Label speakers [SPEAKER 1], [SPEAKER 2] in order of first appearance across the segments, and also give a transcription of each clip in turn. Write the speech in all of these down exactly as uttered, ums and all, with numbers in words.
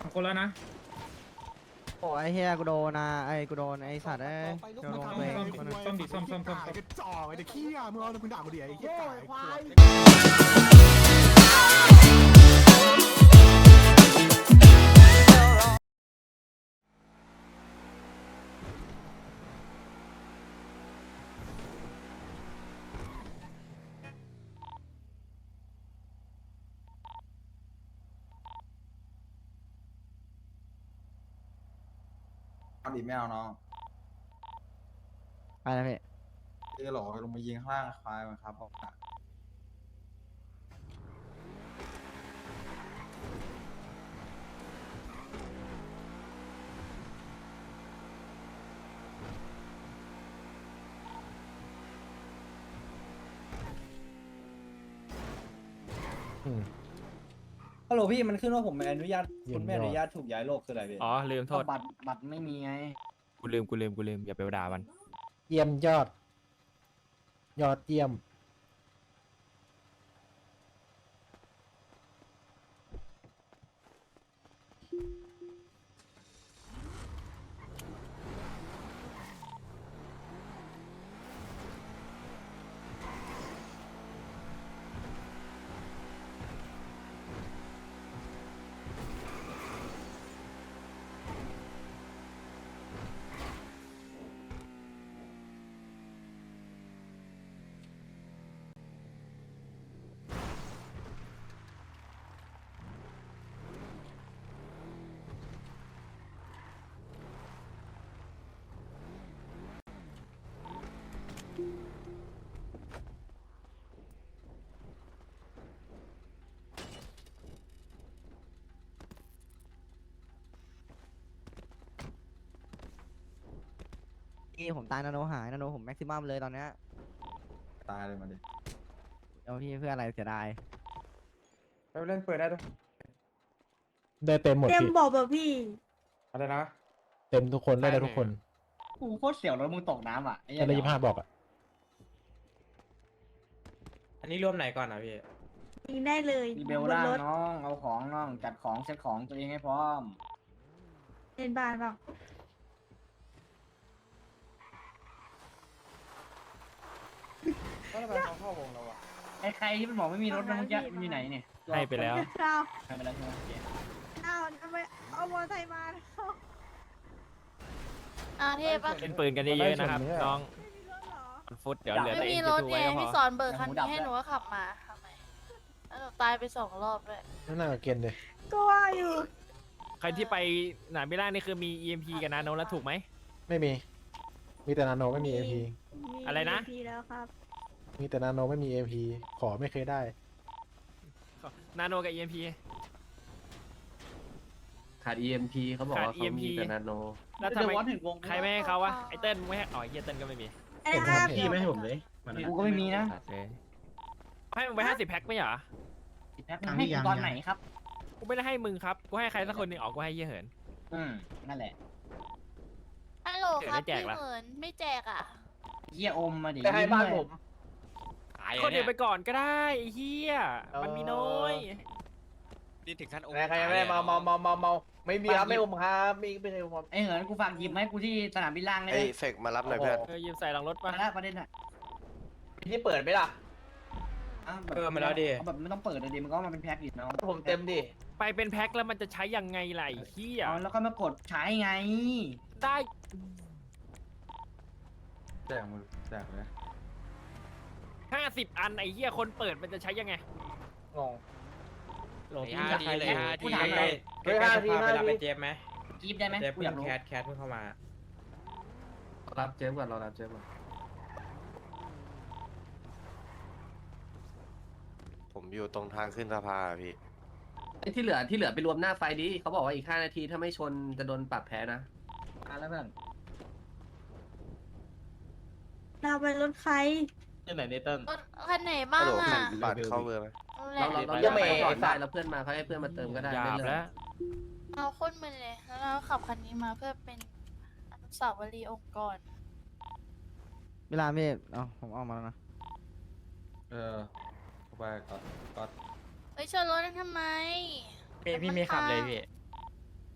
[SPEAKER 1] คนแล้วนะ
[SPEAKER 2] โอ้ไอเฮียกูโดนนะไอกูโดนไอสัตว์ไอ้โดนตัวเองคนนึง
[SPEAKER 1] ซ่อมดิซ่อมซ่อมซ่อม
[SPEAKER 3] กระจอกไอ้เด็กขี้อ่ะมึงเอามึงด่ากูดิไอ้เหี้ยควาย
[SPEAKER 4] เอาดิไม่เอาน้อง
[SPEAKER 2] ไปแล้วพี่
[SPEAKER 4] เออหรอลงมายิงข้างล่างควายมันครับออกมา
[SPEAKER 5] ฮัลโหลพี่มันขึ้นว่าผมไม่อนุญาตคุณไม่อนุญาตถูกย้ายโลกคืออะไรพี่
[SPEAKER 6] อ๋อลืมโทษ
[SPEAKER 5] บัตรบัตรไม่มีไง
[SPEAKER 6] กูลืมกูลืมกูลืมอย่าไปด่ามัน
[SPEAKER 7] เยี่ยมยอด ยอดเยี่ยม
[SPEAKER 2] พี่ผมตายนาโนหายนาโนผมแม็กซิมัมเลยตอนเนี้ย
[SPEAKER 4] ตายเลยมาดิ
[SPEAKER 2] เอาพี่เพื่ออะไรเสียดาย
[SPEAKER 1] ไปเล่นเปิดได้ด้วย
[SPEAKER 7] ได้เต็มหมด
[SPEAKER 8] เต็ม
[SPEAKER 7] พี่
[SPEAKER 8] บอกแบบพี่
[SPEAKER 1] อะไรนะ
[SPEAKER 7] เต็มทุกคนได้ได้ทุกคน
[SPEAKER 5] กูโคตรเสียวรถมึงตกน้ำอ่ะไอ้เหี้
[SPEAKER 7] ได้
[SPEAKER 5] ย
[SPEAKER 7] ยี่ห้าบอกอ่ะ
[SPEAKER 1] อันนี้รวมไหนก่อนนะพี่
[SPEAKER 8] ยิงได้เลย
[SPEAKER 5] มีเบล
[SPEAKER 8] บน
[SPEAKER 5] ล่าง
[SPEAKER 8] รถ
[SPEAKER 5] น้องเอาของน้องจัดของเซ็ตของตัวเองให้พร้อม
[SPEAKER 8] เล่นบ้านเปล่า
[SPEAKER 1] ก็ทำไมเขาเข้าวงเราอะ
[SPEAKER 5] ไอ้ใครที่มันบอกไม่มีรถนะเมื่อกี้มันอยู่ไหนเนี่ย
[SPEAKER 6] ให้ไปแล้ว
[SPEAKER 8] เอา
[SPEAKER 5] ให้ไปแล้วใช่ไหมโอเค
[SPEAKER 8] เอาเอาไปเอามอเตอร์ไซค์มาเอา
[SPEAKER 9] อ่าเทพปะ
[SPEAKER 6] เล่นปืนกันเยอะๆนะครับน้อง
[SPEAKER 8] ไม่มีรถเหรอ
[SPEAKER 6] มันฟุตเดี๋ยวเหลือ
[SPEAKER 9] ไม่
[SPEAKER 6] แต่เอ
[SPEAKER 9] มี
[SPEAKER 6] ง
[SPEAKER 9] ร
[SPEAKER 6] จะ
[SPEAKER 9] ถ
[SPEAKER 6] ดู
[SPEAKER 9] ไง
[SPEAKER 6] ไว้ก็พ
[SPEAKER 9] พี่
[SPEAKER 6] อ
[SPEAKER 9] สอนเบิกคันนี้ให้หนูก็ขับมาทำไมแล้วหนูตายไปสองรอบเลย
[SPEAKER 7] นั่นน่ากับเกณฑ์เลย
[SPEAKER 8] ก็ว่าอยู่
[SPEAKER 6] ใครที่ไปหนามิล่านี่คือมี อี เอ็ม พี กับนาโนแล้วถูกไหม
[SPEAKER 7] ไม่มี มีแต่นาโนไม่มีเอ็มพี
[SPEAKER 8] มี
[SPEAKER 6] อะไรนะ
[SPEAKER 8] มีแล้วครับ
[SPEAKER 7] มีแต่นาโนไม่มีเอ็มพีขอไม่เคยได้
[SPEAKER 6] นาโนกับ อี เอ็ม พี
[SPEAKER 10] ขาด อี เอ็ม พี เขาบอก
[SPEAKER 6] ขาด
[SPEAKER 10] ว่าเขามี
[SPEAKER 6] อี เอ็ม พี
[SPEAKER 10] แต่นาโน
[SPEAKER 6] แล้วทำ
[SPEAKER 5] เดี๋ยว
[SPEAKER 6] ไม
[SPEAKER 5] วัดถึงวง
[SPEAKER 6] ใครไม่ให้เขาวะไอเติ้ลมึงไม่ให้อ๋อไอเหี้ยเติ้ลก็ไม่มี
[SPEAKER 8] ไอ้ห้า
[SPEAKER 7] พี่ไม่ให้ผม
[SPEAKER 1] เลย
[SPEAKER 5] กูก็ไม่มีนะ
[SPEAKER 6] ขาดเลยให้มึงไปห้าสิบแพ็คไม่เหรอ
[SPEAKER 5] แพ็คให้กูตอนไหนครับ
[SPEAKER 6] กูไม่ได้ให้มึงครับกูให้ใครสักคนหนึ่งออกกูให้เหี้ยเหิน
[SPEAKER 5] อืมนั่นแหละ
[SPEAKER 9] ฮัลโหล
[SPEAKER 6] เดี๋ยว
[SPEAKER 9] ครับ
[SPEAKER 6] ได้แจก
[SPEAKER 9] พี่
[SPEAKER 6] ละ
[SPEAKER 9] เหมือนไม่แจกอ่ะ
[SPEAKER 5] เหี้ยอมมาดิ
[SPEAKER 1] ไปให้บ้านผม
[SPEAKER 6] คนเดียวไปก่อนก็ได้ไอ้เหี้ยมันมีน้อย
[SPEAKER 10] นี่ถึงขั้นโอ
[SPEAKER 1] ใครยังไม่ได้เมาเมาเมาเมาเมาไม่มีครับไม่อมครับมีไม่ใช่อม
[SPEAKER 5] ไอ้เหินกูฝากหยิบมาให้กูที่สนามบินล่างได้ไห
[SPEAKER 10] ไอ้
[SPEAKER 5] ม
[SPEAKER 10] เฟกมารับหน่อยเพื่อน
[SPEAKER 6] เออยืมใส่หลังรถ
[SPEAKER 5] มา
[SPEAKER 6] ปะ
[SPEAKER 5] แล้วประเด็นอ่ะ
[SPEAKER 1] มีที่เปิดไหมล่ะ
[SPEAKER 5] ะบบ
[SPEAKER 1] เออมาแล้วดิ
[SPEAKER 5] เอาแบบไม่ต้องเปิดเลยดิมันก็เอามาเป็นแพ็คดิน้อง
[SPEAKER 1] ผมเต็มดิ
[SPEAKER 6] ไปเป็นแพ็คแล้วมันจะใช้ยังไงล่ะไอ้เหี้ย
[SPEAKER 5] เอาแล้วก็มากดใช้ไง
[SPEAKER 6] ได้
[SPEAKER 4] แจกมือแจกเลย
[SPEAKER 6] ห้าสิบอันไอ้เหี้ยคนเปิดมันจะใช้ยังไง
[SPEAKER 1] งง
[SPEAKER 6] หลง
[SPEAKER 10] ไอ้ห้าทีเลยห้าที
[SPEAKER 5] กูถามหน่อย
[SPEAKER 1] เฮ้ยห้าทีห้าทีเจ็บไหม
[SPEAKER 5] กีบได้ไหม
[SPEAKER 1] เจ็บ
[SPEAKER 5] กูอยากรู้
[SPEAKER 1] แคทแคทเพิ่งเข้ามา
[SPEAKER 10] รับเจมก่อนรอรับเจมก่อน
[SPEAKER 11] ผมอยู่ตรงทางขึ้นสะพานอะพี่
[SPEAKER 10] ไอ้ที่เหลือที่เหลือไปรวมหน้าไฟดิเขาบอกว่าอีกห้านาทีถ้าไม่ชนจะโดนปรับแพ้นะ
[SPEAKER 5] มาแล้วเพื่อน
[SPEAKER 8] เราไปรถใคร
[SPEAKER 1] ที่ไหนเนเติ้ล
[SPEAKER 9] รถคันไหนบ้าง
[SPEAKER 11] ฮัลโหล
[SPEAKER 9] อ่ะ
[SPEAKER 11] บัตรเข้าเบอร์ไหม
[SPEAKER 9] นั่นแห
[SPEAKER 10] เรา
[SPEAKER 9] ละ
[SPEAKER 10] เราเรา
[SPEAKER 1] ยั
[SPEAKER 10] จะ
[SPEAKER 1] ง
[SPEAKER 10] ไป
[SPEAKER 1] ไม่
[SPEAKER 10] ก่อน
[SPEAKER 1] ไอ้สั
[SPEAKER 10] ได้
[SPEAKER 1] ตว์
[SPEAKER 10] แล้วเพื่อนมาเขาให้เพื่อนมาเติมก็ได้
[SPEAKER 6] หยา
[SPEAKER 10] ไม่
[SPEAKER 6] บ
[SPEAKER 10] เล
[SPEAKER 6] แล้
[SPEAKER 10] ยว
[SPEAKER 9] เอาโคนมึนเลยแล้วเราขับคันนี้มาเพื่อเป็นอนุสาวรีย์องค์กร
[SPEAKER 2] เวลาพี่เอาผมเอามาแล้วนะ
[SPEAKER 4] เออเข้าไปก่อนก่อน
[SPEAKER 9] เฮ้ยชนรถนั้นทำไม
[SPEAKER 1] พี่พี่มีขับเลยพี่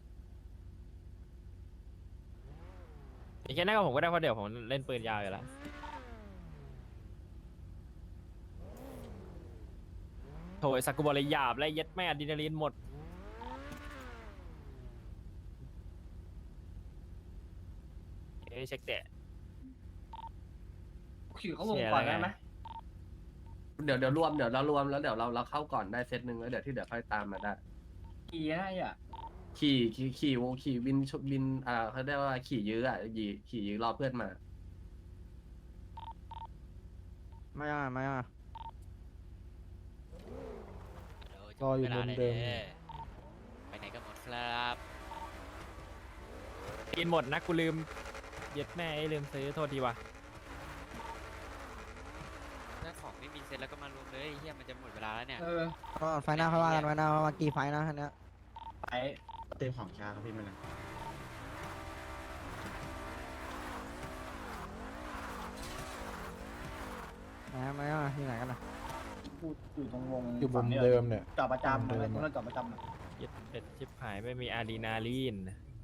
[SPEAKER 6] อย่างแค่นั้นก็ผมก็ได้เพราะเดี๋ยวผมเล่นปืนยาวอยู่แล้วโถยสักกุบอลเลยหยาบและเย็ดแม่อะดรีนาลีนหมดเอ้ยเช็คแตะ
[SPEAKER 5] ขี่เขาวงก่อนได้ไหม
[SPEAKER 10] เดี๋ยวเดี๋ยวรวมเดี๋ยวเรารวมแล้วเดี๋ยวเราเราเข้าก่อนได้เซตหนึ่งแล้วเดี๋ยวที่เหลือค่อยตามมาได้
[SPEAKER 5] ขี่ได้อ่ะ
[SPEAKER 10] ขี่ขี่ขี่วงขี่บินชบินอ่าเขาเรียกว่าขี่ยื้ออ่ะขี่ขี่ยื้อรอเพื่อนมา
[SPEAKER 2] ไม่อ่ะไม่อ่ะ
[SPEAKER 7] รออยู่มุมเดิม
[SPEAKER 6] ไปไหนกันหมดครับกินหมดนะกูลืมเย็ดแม่ไอ้ลืมซื้อโทษทีว่ะ
[SPEAKER 12] ถ้าของไม่มีเซ็ตแล้วก็มารวมเลยเฮียมันจะหมดเวลาแล้วเนี่ย
[SPEAKER 5] เออ
[SPEAKER 2] ก็ไฟหน้าค่อยว่ากันไฟหน้าว่ากี่ไฟนะคันเนี้ย
[SPEAKER 5] ไป
[SPEAKER 4] เต็มของชาครับพี่มัน
[SPEAKER 2] นะไม่อ่ะที่ไหนกันนะ
[SPEAKER 5] กูอยู่ตรงวง
[SPEAKER 7] อยู่มุมเดิมเนี่ย
[SPEAKER 5] จอดประจำอะไรตรงนั้นจอดประจำอะ
[SPEAKER 6] เย็ดเป็ดชิบหายไม่มีอะดรีนาลีน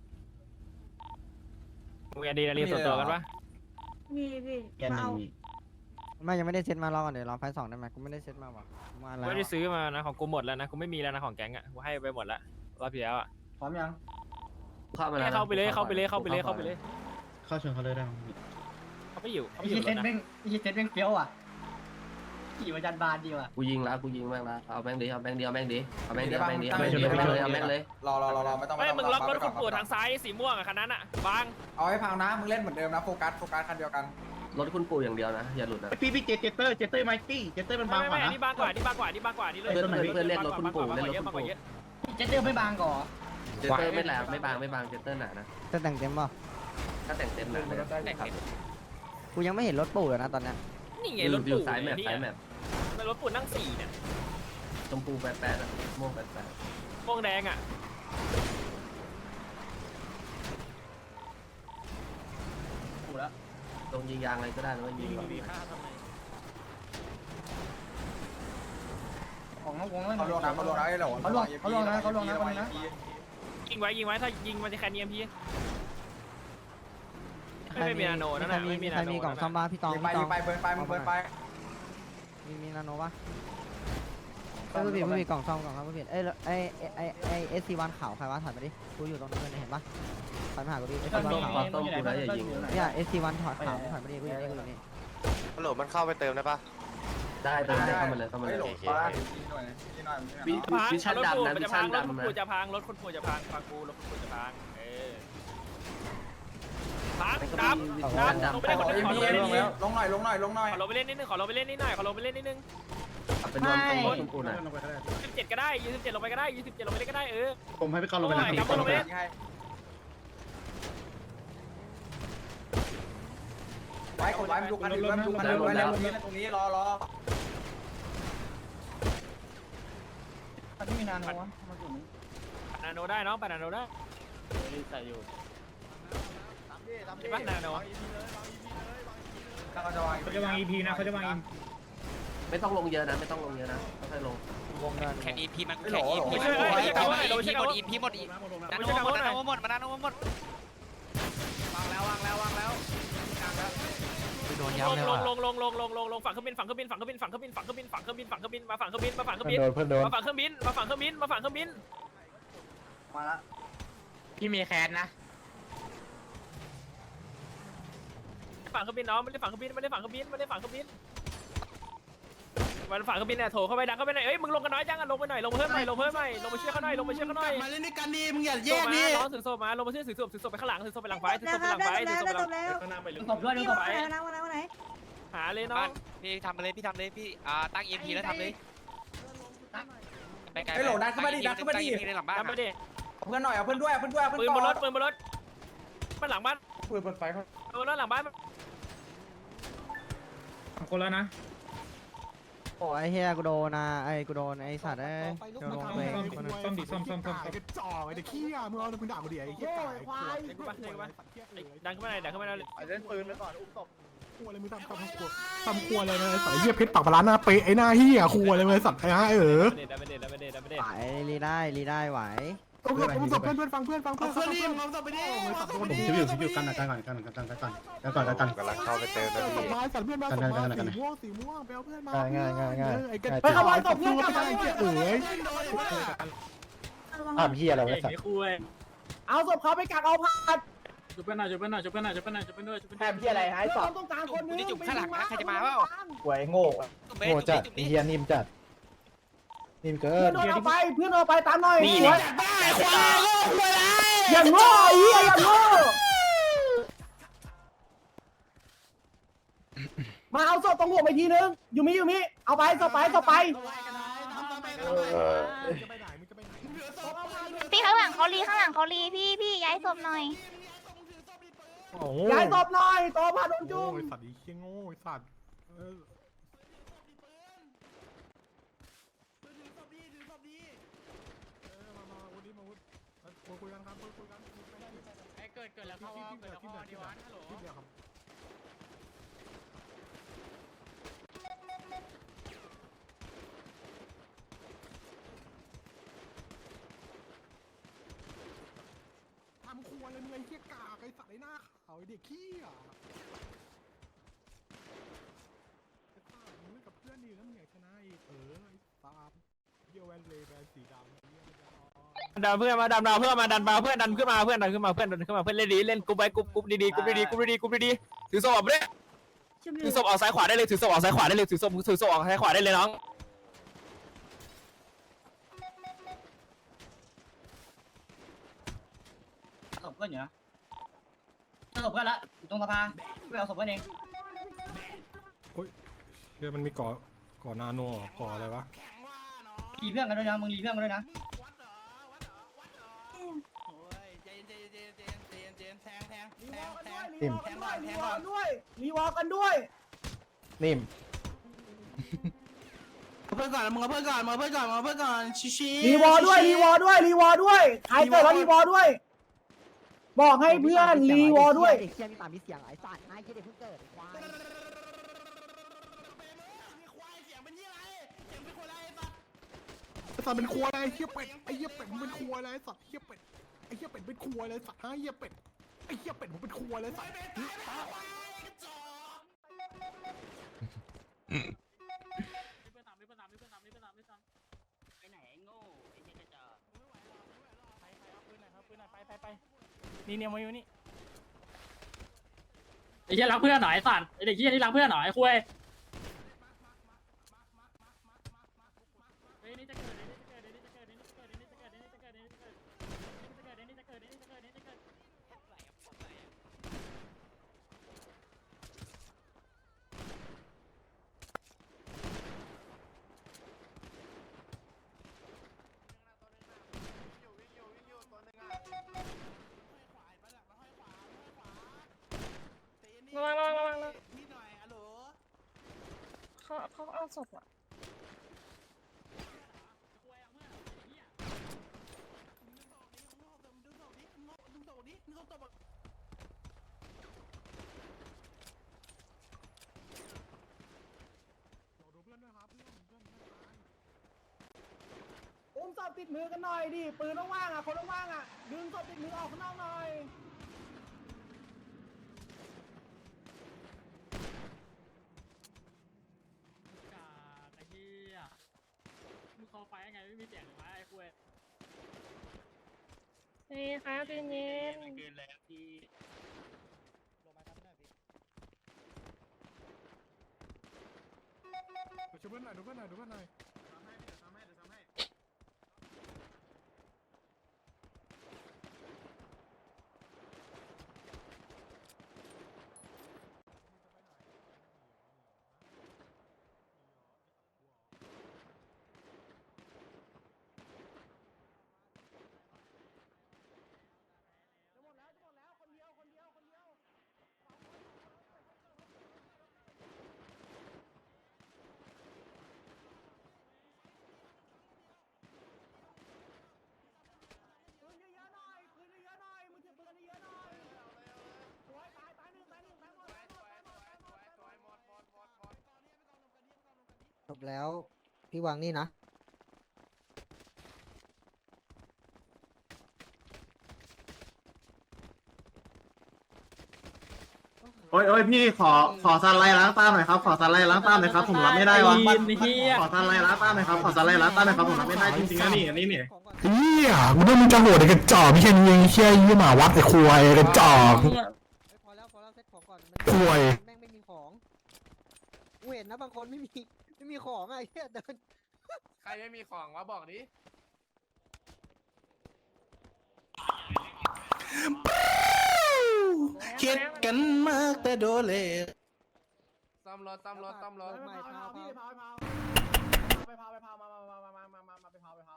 [SPEAKER 6] มีอะดรีนาลีนส่วนตัวกันปะ
[SPEAKER 8] มีพี่
[SPEAKER 5] แกนห
[SPEAKER 8] มา
[SPEAKER 5] นึ่
[SPEAKER 8] เอา
[SPEAKER 5] ง
[SPEAKER 2] ไม่ยังไม่ได้เซ็ตมารอก่อนเดี๋ยวรอไฟสองได้ไหมกูไม่ได้เซ็ตมาว่ะมา
[SPEAKER 6] กู
[SPEAKER 2] แล้ว
[SPEAKER 6] ไม่ได้ซื้อมานะของกูหมดแล้วนะกูไม่มีแล้วนะของแก๊งอ่ะกูให้ไปหมดแล้วรอบที่แล้วอ่ะ
[SPEAKER 5] พร้อมยัง
[SPEAKER 10] เข้ามาแล้วนะ
[SPEAKER 6] เข้าไปเลยเข้าไปเลยเข้าไปเลยเข้าไปเลย
[SPEAKER 4] เข้าชนเขาเลยได้
[SPEAKER 6] เขาไปอยู่เขา
[SPEAKER 5] ไอ้
[SPEAKER 6] ไปอ
[SPEAKER 5] เหี้
[SPEAKER 6] ยู่
[SPEAKER 5] ย
[SPEAKER 6] ร
[SPEAKER 5] เซ็ต
[SPEAKER 6] ถนะ
[SPEAKER 5] แม่งไอ้เหี้ยเซ็ตแม่งเฟี้ยวอ่ะขี่มาจันบานดีว่ะ
[SPEAKER 10] กูยิงแล้วกูยิงแม่งแล้วเอาแม่งดิเอาแม่งดิเอาแม่งดิเอาแม่งดิเอาแม่งดิเอาแม่งดิเอาแม่งเลยเอาแม่งเลย
[SPEAKER 1] รอรอรอรอไม่ต้อง
[SPEAKER 6] ไม่มึงล็อกรถคุณปู่ทางซ้ายสีม่วงอ่ะคันนั้นอ่ะบาง
[SPEAKER 1] เอาให้พังนะมึงเล่นเหมือนเดิมนะโฟกัสโฟกัสคันเดียวกัน
[SPEAKER 10] รถคุณปู่อย่างเดียวนะอย่าหลุดนะ
[SPEAKER 3] พี่พี่เจเจเตอร์เจเตอร์ไมตี้เจเตอร์มัน
[SPEAKER 6] ไม่
[SPEAKER 3] บาง
[SPEAKER 6] ไม่
[SPEAKER 3] กว่า
[SPEAKER 6] ไม่อั
[SPEAKER 3] นะ
[SPEAKER 6] นนี้บางกว่าอันนี้บางกว่าอันนี้บางกว่าอันนี้เลย
[SPEAKER 10] เพื่อนเพื่อนเพื่อนเล่นรถคุณปู่เล่นรถคุณปู่
[SPEAKER 5] เจ็ตเตอร์ไม่บางก่อ
[SPEAKER 10] เจเตอร์ไม่แหลมไม่บางไม่บางเจเตอร์หนานะ
[SPEAKER 2] จะแต่งเต็มป่ะ
[SPEAKER 10] ถ้าแต่งเต็มหนาเลยครับ
[SPEAKER 2] กูยังไม่เห็นรถปู่เลยนะตอนเนี้ย
[SPEAKER 6] นี่ไง
[SPEAKER 10] อ
[SPEAKER 6] ร
[SPEAKER 10] ยู่
[SPEAKER 6] ถ
[SPEAKER 10] อยู่
[SPEAKER 6] ปู่
[SPEAKER 10] สายแมป
[SPEAKER 6] นี่
[SPEAKER 10] สายแมป
[SPEAKER 6] มันรถปู่นั่งสี่เนี่ย
[SPEAKER 10] ชมพูแปดแปดอะม่วงแปดแปด
[SPEAKER 6] ม่วงแดงอ่ะ
[SPEAKER 5] กูแล้ว
[SPEAKER 10] ลงยิงยางอะไรก็ได้นะว่ายิงก่อน
[SPEAKER 5] ของน้องวงแล้ว
[SPEAKER 1] เขาลงนะเขาลงนะไอ้เหล่า
[SPEAKER 5] เขาลงเขาลงนะเขาลงนะคนนะ
[SPEAKER 6] ยิงไว้ยิงไว้ถ้ายิงมันจะแคนเนียมพี่ไม่มีนาโนนั่น
[SPEAKER 2] ใคร
[SPEAKER 6] น่ะ
[SPEAKER 2] มี
[SPEAKER 6] ไม่มี
[SPEAKER 2] ใคร
[SPEAKER 6] นาโน
[SPEAKER 2] มีกล่องซ่อมบ้าพี่ตอง
[SPEAKER 1] ยิงไป
[SPEAKER 2] พี่ต
[SPEAKER 1] ยิ
[SPEAKER 2] อง
[SPEAKER 1] งไปเบิร์นไปมึงเบิร์นไป
[SPEAKER 2] มีมีนาโนปะเอ้ยผู้ผิดผู้ผิดกล่องซ่อมกล่องซ่อมผู้ผิดเอ้ยไอ้ไอ้ไอ้เอสซีวันขาวใครวะถอยมาดิกูอยู่ตรงนี้นเห็นปะถอยมาหากูดิเอสซีวัน
[SPEAKER 10] ต้ม
[SPEAKER 2] ขาว
[SPEAKER 10] ขอต้มกูนะอย่ายิง
[SPEAKER 2] เนี่ยเอสซีวันถอดขาวถอยมาดิกูอยู่นี่กูอยู่นี่
[SPEAKER 11] ฮัลโหลมันเข้าไปเติมได้ปะ
[SPEAKER 10] ได้เติมได้เข้ามาเลยเข้ามาเลย
[SPEAKER 1] หลงป้าพี่หน่อยพี่หน่อย
[SPEAKER 10] วิ
[SPEAKER 6] พัง
[SPEAKER 10] วิชั่น
[SPEAKER 6] รถปู่
[SPEAKER 10] ดำนะ
[SPEAKER 6] มัน
[SPEAKER 10] วิ
[SPEAKER 6] จะ
[SPEAKER 10] ชั่
[SPEAKER 6] พั
[SPEAKER 10] น
[SPEAKER 6] งรถคุณ
[SPEAKER 10] ดำนะ
[SPEAKER 6] ปู่จะพังรถคุณปู่จะพังฟังกูรถคุณปู่จะพังเออพังดำดำลงไปเล่นคนนึงขอลงไปเล่นนิดนึง
[SPEAKER 1] ลงหน่อยลงหน่อยลงหน่อย
[SPEAKER 6] ขอลงไปเล่นนิดนึงขอลงไปเล่นนิดหน่อยขอลงไปเล่นนิดนึง
[SPEAKER 10] เป็นรวมตรงรถคุณปู่หน่อย
[SPEAKER 6] สิบเจ็ดก็ได้ยี่สิบเจ็ดลงไปก็ได้ยี่สิบเจ็ดลงไปเล่นก็ได้เออ
[SPEAKER 3] ผมให้พี่กอนลงไป
[SPEAKER 6] โอ้
[SPEAKER 3] นะ
[SPEAKER 6] ยกลับมาลงไปเล่น
[SPEAKER 1] ไว้กดไว้ดูคันอื่นไว้ดูคันอื่นไว้แล้วตรงนี้รอรอ
[SPEAKER 5] มันไม่มีนานวะมาถึง
[SPEAKER 6] นาโนได้น้องไปนาโนได้ใส่อยู่ใช่ปะนาโน
[SPEAKER 1] เขาจะวาง
[SPEAKER 3] เขาจะวาง อี พี นะเขาจะวาง
[SPEAKER 10] ไม่ต้องลงเยอะนะไม่ต้องลงเยอะนะค่อยๆลง
[SPEAKER 2] วงเงิน
[SPEAKER 12] แข่งอีพีมัน
[SPEAKER 1] ไม่ห
[SPEAKER 12] แข่
[SPEAKER 1] ล่
[SPEAKER 12] ง
[SPEAKER 1] อ
[SPEAKER 12] อี
[SPEAKER 1] หล่อ
[SPEAKER 12] พี
[SPEAKER 6] ไม่ใช่ไม่ใช่ไม่ใช่
[SPEAKER 12] อี
[SPEAKER 6] ไม่ใช่
[SPEAKER 12] พีหมดอีพีหมดอีนาโนหมดนาโนหมดนาโนหมด
[SPEAKER 1] วางแล้ววางแล้ววางแล้วกลางแล้ว
[SPEAKER 12] โดน
[SPEAKER 6] ล
[SPEAKER 12] ย้ำเลย
[SPEAKER 6] ง
[SPEAKER 12] ว่ะ
[SPEAKER 6] ลงลงลงลงลงลงฝั่งเครื่องบินฝั่งเครื่องบินฝั่งเครื่องบินฝั่งเครื่องบินฝั่งเครื่องบินฝั่งเครื่องบินฝั่งเครื่องบินมาฝั่งเครื่องบินมาฝั่งเครื่องบิน
[SPEAKER 7] โดนเพื่อนโดน
[SPEAKER 6] มาฝั่งเครื่องบินมาฝั่งเครื่องบินมาฝั่งเครื่องบิน
[SPEAKER 5] มาละ
[SPEAKER 3] พี่มีแคสนะ
[SPEAKER 6] ฝั่งเครื่องบินน้องไม่ได้ฝั่งเครื่องบินไม่ได้ฝั่งเครื่องบินไม่ได้ฝั่งเครื่องบินมันฝั่งเครื่องบินเนี่ยโถเข้าไปดังเข้าไปหน่อยเอ้ยมึงลงกันน้อยจังอ่ะลงไปหน่อยลงเพิ่มหน่อยลงเพิ่มหน่อยลงไปเชื่อเขาหน่อยลงไปเชื่อเขาหน่อย
[SPEAKER 3] มาเล่นด้วยกันดีมึงอย่าแย
[SPEAKER 6] โซ
[SPEAKER 3] ก
[SPEAKER 6] มา
[SPEAKER 3] ดิ
[SPEAKER 6] น้องถือโซมาลงมาชื่อถือโซถือโซไปข้างหลังถือโซไปหลังไฟถือ
[SPEAKER 8] ได้
[SPEAKER 6] โซ
[SPEAKER 8] ค
[SPEAKER 6] ไป
[SPEAKER 8] รับ
[SPEAKER 6] หลัง
[SPEAKER 8] ได้
[SPEAKER 6] ไฟ
[SPEAKER 8] แล้
[SPEAKER 6] ถือ
[SPEAKER 8] ว
[SPEAKER 6] โซ
[SPEAKER 8] ได้
[SPEAKER 6] ไปหลัง
[SPEAKER 8] แล้ว
[SPEAKER 5] ตบด้วย
[SPEAKER 8] พี่
[SPEAKER 5] ต
[SPEAKER 8] วา
[SPEAKER 5] บ
[SPEAKER 8] งไหนวางไหนวางไหน
[SPEAKER 6] หาเลยน้อ
[SPEAKER 12] บ้าง นพี่ทำมาเลยพี่ทำเลยพี่อ่าตั้งอีพีแล้วทำเลยไปไกล
[SPEAKER 1] ไอ้หล่ดันขึ้นมาดิดันขึ้นมาดิ
[SPEAKER 12] ในหลังบ้าน
[SPEAKER 6] จำไปดิ
[SPEAKER 1] เอาเพื่อนหน่อยเอาเพื่อนด้วยเอาเพื่อนด้วยเอาเพื่อน
[SPEAKER 6] ปืนบนรถ
[SPEAKER 1] ก่อน
[SPEAKER 6] ปืนบนรถมันหลังบ้าน
[SPEAKER 1] ปืนบนไฟเขา
[SPEAKER 6] ปืนบนรถหลังบ้าน
[SPEAKER 3] คนแล้วนะ
[SPEAKER 2] โอ้ไอ้เฮียกูโดนนะไอ้กูโดนไอ้สัตว์ไอ้โดนลงตัวเองคนนึง
[SPEAKER 3] ซ่อมดิซ่อมซ่อมซ่อมไอ้กระจอกไอ้เด็กขี้อ่ะมึงเอามึงด่ากูดิไอ้เหี้ยควาย
[SPEAKER 6] ดันขึ้นมาหน่อยดันขึ้นมาหน่อย
[SPEAKER 1] เล่นปืนไปก่อนอุ้มศพ
[SPEAKER 3] ครัวอะไรมึงทำทำครัวทำครัวอะไรเลยใส่เหี้ยเพชรปากปลาหน้าเป๊ะไอ้หน้าเหี้ยครัวอะไรเลยสัตว์ไอ้ฮะเออ
[SPEAKER 6] ดันไปเด็ดดันไปเด็ดดันไปเด็ด
[SPEAKER 2] ไหวรีได้รีได้ไหว
[SPEAKER 3] เอเอาศพเอาศพเพื่อนเพื่อนฟังเพื่อนฟังเพื่อนเพื่อนรีบเอาศพไปดิสัตว์โดน
[SPEAKER 7] ผมชิวอยู่ชิวอยู่กันกันก่อนกันกันกันกันกันกันกันกัน
[SPEAKER 11] กำลังเข้าไปเติมนะ
[SPEAKER 3] ศ
[SPEAKER 11] พี่
[SPEAKER 3] พมาสัตว์เพื่อนมาศพมาสีม่วงสีม่วงไปเอาเพื่อนมาไอ้กันไปขโมยศพเพื่อนกลับมาเอ๋ย
[SPEAKER 7] อ้าวพี่อะไรวะสัตว์
[SPEAKER 1] เอาศพเขาไปกักเอาผ่าน
[SPEAKER 6] จุบเป็นหน่อยจุบเป็นหน่อยจุบเป็นหน่อยจุบเป็นหน่อยจุบเป็นด้วยจุบเป็น
[SPEAKER 1] แถมที่อะไรหายสอบ
[SPEAKER 8] ต้องการคนนึง
[SPEAKER 12] นี่จุ่มข้างหลังนะใครจะมาเปล่า
[SPEAKER 1] หวยโง่
[SPEAKER 7] โง่จัดเฮียนิ่มจัดนิ่มเกิ
[SPEAKER 1] เพื่อน
[SPEAKER 7] น
[SPEAKER 1] โดนเอาไปเพื่อนเอาไปตามหน่อย
[SPEAKER 6] นี่
[SPEAKER 1] สวย
[SPEAKER 6] ควายโง่ควายไร
[SPEAKER 1] อย่างโง่ไอ้เหี้ยอย่างโง่มาเอาศพตรงหัวไปทีนึงอยู่มิอยู่มิเอาไปศพไปศพไป
[SPEAKER 9] พี่ข้างหลังเขารีข้างหลังเขารีพี่พี่ย้ายศพหน่อย
[SPEAKER 1] ย้ายศพหน่อยโตพาโดนจุ่ม
[SPEAKER 3] โง่สัตว์อีเขี้ยโง่สัตว์เออ คุยกันครับคุยกัน
[SPEAKER 6] เกิดเกิดแล้วเข้าเกิดแล้วเข้าดีวันฮัลโหล
[SPEAKER 3] ที่เดียวครับทำครัวเลยมึงไอ้เหี้ยกากไอ้สัตว์ไอ้หน้าขาวไอ้เด็กขี้อ่ะไอ้สัตว์มึงเล่นกับเพื่อนดีแล้วมึงอยากชนะอีกเออไอ้ตามเยี่ยวแวนเลยแวนสีดำเยี่ยมจะ
[SPEAKER 6] ดันเพื่อนมาดันดาวเพื่อนมาดันดาวเพื่อนดันขึ้นมาเพื่อนดันขึ้นมาเพื่อนดันขึ้นมาเพื่อนเล่นดีเล่นกรุ๊ปไว้กรุ๊ปกรุ๊ปดีๆกรุ๊ปดีๆกรุ๊ปดีๆกรุ๊ปดีๆถือศพออกไปเลยถือศพออกซ้ายขวาได้เลยถือศพออกซ้ายขวาได้เลยถือศพถือศพออกซ้ายขวาได้เลยน้อง
[SPEAKER 5] ศพเพื่อนอยู่นะศพเพื่อนละอยู่ตรงสภาไปเอาศพเพื่อนเอง
[SPEAKER 3] เดี๋ยวมันมีก่อก่อนาโนก่ออะไรวะ
[SPEAKER 5] รีเพื่อนกันด้วยนะมึงรีเพื่อนกันด้วยนะ
[SPEAKER 7] นิ่ม
[SPEAKER 1] แทงหน่อยรีวอลด้วยรีวอลกันด้วย
[SPEAKER 7] นิ่ม
[SPEAKER 5] เพื่อนก่อนมึงเอาเพื่อนก่อนมึงเอาเพื่อนก่อนมึงเอาเพื่อนก่อนชิชิ
[SPEAKER 1] รีวอลด้วยรีวอลด้วยรีวอลด้วยใครเกิดแล้วรีวอลด้วย บอกให้เพื่อนรีวอลด้วย
[SPEAKER 2] เด็กเชี่ยมีปากมีเสียงไอ้สัตว์นายคิดเด็กเพิ่งเกิดควาย
[SPEAKER 3] ไอ้สัตว์เป็นครัวอะไรไอ้เหี้ยเป็ดไอ้เหี้ยเป็ดมึงเป็นครัวอะไรไอ้สัตว์เหี้ยเป็ดไอ้เหี้ยเป็ดเป็นครัวอะไรสัตว์ฮะเหี้ยเป็ดไอ้เหี้ยเป็ดมึงเป็นครัวอะไรสัตว์
[SPEAKER 5] ไปไหนไอ้โง่ไอ้เหี้ยกระจอก
[SPEAKER 6] นี่เนี่ยมาอยู่นี่ไอ้เหี้ยรักเพื่อนหน่อยไอ้สัตว์ไอ้เด็กเหี้ยนี่รักเพื่อนหน่อยไอ้คุยนี่จะเกิดนี่จะเกิดนี่จะเกิดนี่จะเกิดนี่จะเกิดนี่จะเกิดนี่จะเกิดนี่จะเกิดนี่จะเกิดนี่จะเกิดนี่จะเกิดนี่จะเกิด
[SPEAKER 9] ระวังระวังระวังเขาเขาเอาศพอ่ะ
[SPEAKER 1] อุ้มศพติดมือกันหน่อยดิปืนว่างๆอ่ะคนว่างๆอ่ะดึงศพติดมือออกข้างนอกหน่อย
[SPEAKER 6] ไอ้เหี้ยมึงคอไฟยังไงไม่มีเสียงหรือวะไอ้คุย
[SPEAKER 9] นี่ครับพี่เย็น
[SPEAKER 6] เกินแล้วที่
[SPEAKER 3] ช่วยเพื่อนหน่อยดูเพื่อนหน่อยดูเพื่อนหน่อย
[SPEAKER 1] ปืนเยอะๆหน่อยปืนเยอะๆหน่อยมึงถือปืนเยอะๆหน่อยสวยตายตายหนึ่งตายหนึ่งตายหมดตายหมดตายหมดตายหมดตายหมด
[SPEAKER 2] จบแล้วพี่วางนี่นะ
[SPEAKER 3] โอ้ยโอ้ยพี่ขอขอสไลด์ล้างตาหน่อยครับขอสไลด์ล้างตาหน่อยครับผมรับไม่ได้วะขอสไลด์ล้างตาหน่อยครับขอสไลด์ล้างตาหน่อยครับผมรับไม่ได้จริงๆนะนี่อันนี้เนี่ยเฮียกูได้มึงจะโหดไอ้กระจอกไม่ใช่ยิงเชี่ยยี่หมาวัดไอ้ควายกระจอก
[SPEAKER 2] พอแล้วพอแล้วเซ็ตของก่อน
[SPEAKER 3] ควาย
[SPEAKER 2] แม่งไม่มีของกูเห็นนะบางคนไม่มีไม่มีของไอ้เหี้ยเดิน
[SPEAKER 10] ใครไม่มีของวะบอกดิ
[SPEAKER 3] คิดกันมากแต่โดเล
[SPEAKER 10] ซ่อมรถซ่อมรถซ่อมรถ
[SPEAKER 1] ไปเผาพี่ไปเผาไปเผาไปเผามามามามามามามาไปเผาไปเผา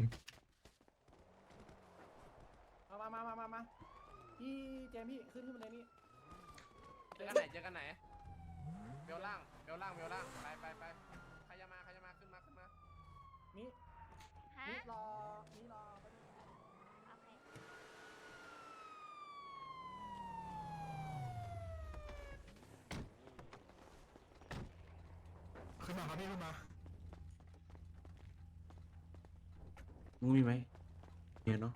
[SPEAKER 1] มามามามามาพี่เจมพี่ขึ้นขึ้นมาเลยนี่
[SPEAKER 10] เจอกันไหนเจอกันไหนเบลล่างเบลล่างเบลล่างไปไปไปใครจะมาใครจะมาขึ้นมาขึ้นมา
[SPEAKER 1] นี่
[SPEAKER 9] ฮะ
[SPEAKER 1] นี่รอนี่รอ
[SPEAKER 3] ขึ้นมาครับพี่ขึ้นมา
[SPEAKER 10] มึงมีไหมเนี่ยเนาะ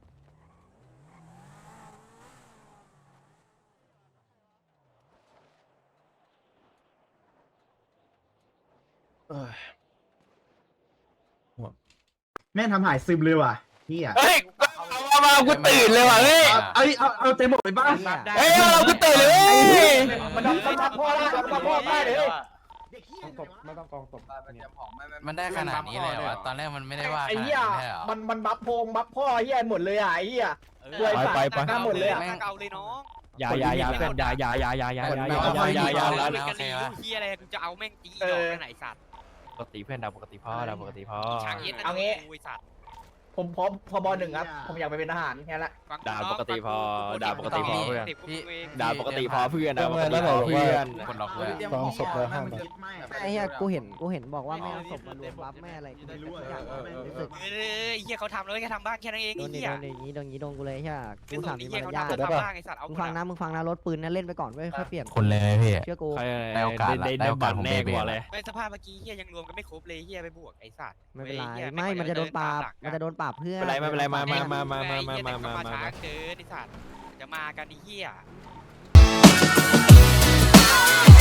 [SPEAKER 3] แม่ทำหายซึมเลยว่ะพี่อ่ะ
[SPEAKER 6] เฮ้ยเอามากูตื่นเลยว่ะเฮ้ย
[SPEAKER 3] เอาเอาเอาเต็มหมดไปบ้าง
[SPEAKER 6] เฮ้ยเอากูตื่นเลยเว้ย
[SPEAKER 1] มันต้องตัดพ่อได้ตัดพ่อได้เลย
[SPEAKER 7] ไม่ต้องกองตบ
[SPEAKER 12] มันได้ขนาดนี้เลยเหรอตอนแรกมันไม่ได้ว่า
[SPEAKER 1] ไอ้เหี้ยมันมันบัฟโพงบัฟพ่อเหี้ยหมดเลยอ่ะไอ้เหี้ย
[SPEAKER 6] ไปไปไป
[SPEAKER 1] หมดเลยอ่ะ
[SPEAKER 12] เก่าเลยน้อง
[SPEAKER 6] อย่าอย่าอย่าเพื่อนอย่าอย่าอย่าอย่าอย่าอย่าอย่าอย่าอย่าอย่า
[SPEAKER 12] โอเคเฮียอะไรกูจะเอาแม่งตีดอกไหนสัตว์
[SPEAKER 6] ปกติเพื่อนดาวปกติพ่อดาวปกติพ่อ
[SPEAKER 12] ฉากเย็น
[SPEAKER 1] เอางี้
[SPEAKER 12] สัตว์
[SPEAKER 1] ผมพร้อมพอบอหนึ่งครับผมอยากไปเป็นทหารแค่ละ
[SPEAKER 6] ดาวปกติพอดาวปกติพอเพื่อน
[SPEAKER 12] พี่
[SPEAKER 6] ดาวปกติพอเพื่อนดาวปกติพอเพื่อน
[SPEAKER 12] คนล็อกเลย
[SPEAKER 7] กองศพแล้วห้ามไป
[SPEAKER 2] ไอ้เหี้ยกูเห็นกูเห็นบอกว่าไม่เอาศพมารวมบัฟแม่อะไรกูไม่รู้อย่างว่าแม่งรู้สึก
[SPEAKER 12] เออเฮียเขาทำเลยแค่ทำบ้างแค่นั้นเอง
[SPEAKER 2] โด
[SPEAKER 12] ไอ้
[SPEAKER 2] นดิ
[SPEAKER 12] เฮีย
[SPEAKER 2] โดนดิอย่างนี้โดนอย่างนี้โดนกูเลยใช่ไหมกู
[SPEAKER 12] เป็น
[SPEAKER 2] ถาม
[SPEAKER 12] ไอ้
[SPEAKER 2] มี
[SPEAKER 12] เฮีย
[SPEAKER 2] มาร
[SPEAKER 12] เขา
[SPEAKER 2] ยาท
[SPEAKER 12] ทำทำบ้างไอ้สัตว์เอา
[SPEAKER 2] มึงฟังนะมึงฟังนะรถปืนนะเล่นไปก่อนเว้ยค่อยเปลี่ยน
[SPEAKER 12] คนเลยพี่
[SPEAKER 2] เชื่อกู
[SPEAKER 6] ได้โอกาสได้ได้บัตรแน่กว่าเลย
[SPEAKER 12] ไม่สภาพเมื่อกี้เฮียยังรวมกันไม่ครบเลยเฮียไปบวกไอ้สัตว์
[SPEAKER 2] ไม่เป็นไรไม่มันจะโดนปราบมันจะโดนปราบเพื่อน
[SPEAKER 6] ไม่เป็นไรไม่เป็นไรมามามามามามามา
[SPEAKER 12] มา
[SPEAKER 6] มา
[SPEAKER 12] ช้าเกินไอ้สัตว์จะมากันไอ้เฮีย